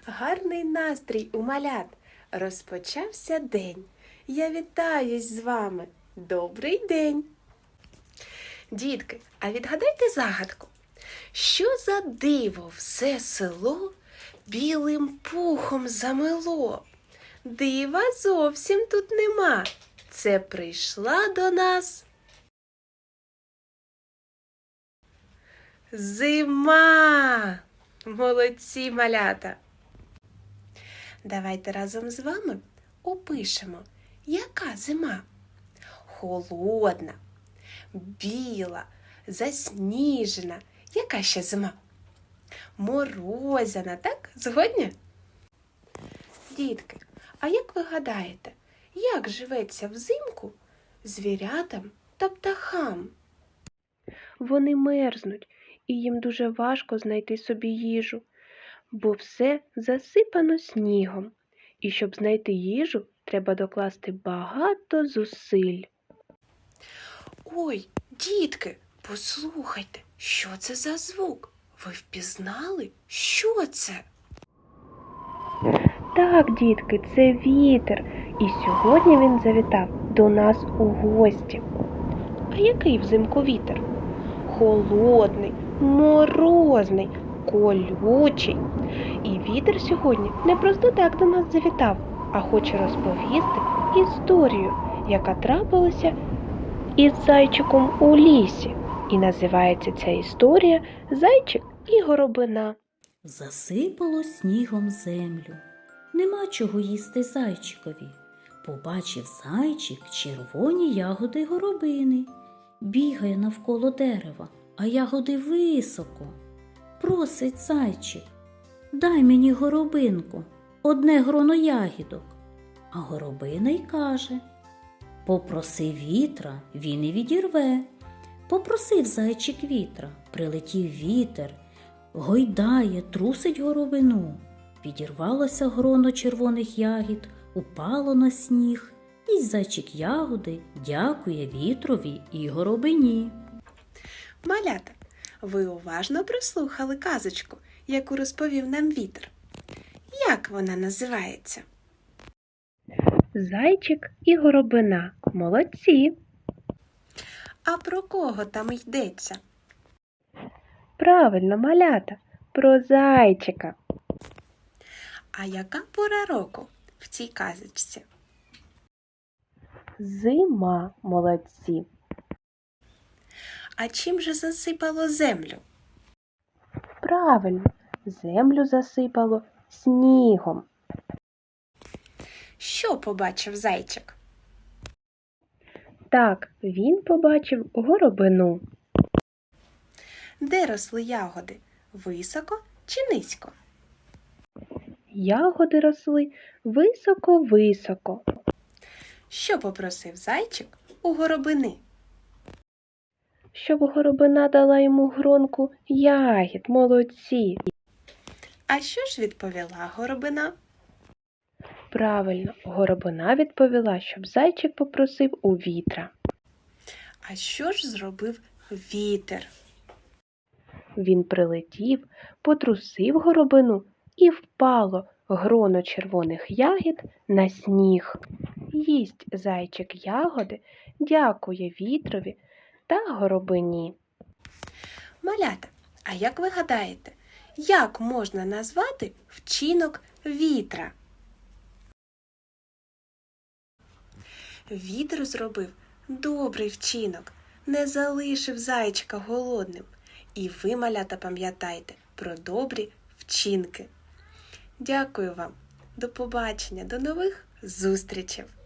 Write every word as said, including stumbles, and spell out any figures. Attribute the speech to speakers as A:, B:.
A: Гарний настрій у малят. Розпочався день. Я вітаюсь з вами. Добрий день! Дітки, а відгадайте загадку. Що за диво все село білим пухом замело? Дива зовсім тут нема. Це прийшла до нас зима! Молодці, малята! Давайте разом з вами опишемо, яка зима. Холодна, біла, засніжена. Яка ще зима? Морозяна, так? Згодні? Дітки, а як ви гадаєте, як живеться взимку звірятам та птахам? Вони мерзнуть, і їм дуже важко знайти собі їжу, бо все засипано снігом. І щоб знайти їжу, треба докласти багато зусиль. Ой, дітки, послухайте, що це за звук? Ви впізнали? Що це? Так, дітки, це вітер. І сьогодні він завітав до нас у гості. А який взимку вітер? Холодний, морозний, колючий. І вітер сьогодні не просто так до нас завітав, а хоче розповісти історію, яка трапилася із зайчиком у лісі. І називається ця історія «Зайчик і горобина».
B: Засипало снігом землю. Нема чого їсти зайчикові. Побачив зайчик червоні ягоди горобини. Бігає навколо дерева, а ягоди високо. Просить зайчик: дай мені горобинку, одне гроно ягідок. А горобина й каже: попроси вітра, він і відірве. Попросив зайчик вітра, прилетів вітер, гойдає, трусить горобину. Відірвалося гроно червоних ягід, упало на сніг, і зайчик ягоди дякує вітрові і горобині.
A: Малята, ви уважно прослухали казочку, яку розповів нам вітер. Як вона називається? Зайчик і горобина. Молодці! А про кого там йдеться? Правильно, малята, про зайчика. А яка пора року в цій казочці? Зима, молодці. А чим же засипало землю? Правильно, землю засипало снігом. Що побачив зайчик? Так, він побачив горобину. Де росли ягоди? Високо чи низько? Ягоди росли високо-високо. Що попросив зайчик у горобини? Щоб горобина дала йому гронку ягід, молодці. А що ж відповіла горобина? Правильно, горобина відповіла, щоб зайчик попросив у вітра. А що ж зробив вітер? Він прилетів, потрусив горобину, і впало гроно червоних ягід на сніг. Їсть зайчик ягоди, дякує вітрові та горобині. Малята, а як ви гадаєте, як можна назвати вчинок вітра? Вітер зробив добрий вчинок, не залишив зайчика голодним. І ви, малята, пам'ятайте про добрі вчинки. Дякую вам. До побачення, до нових зустрічей!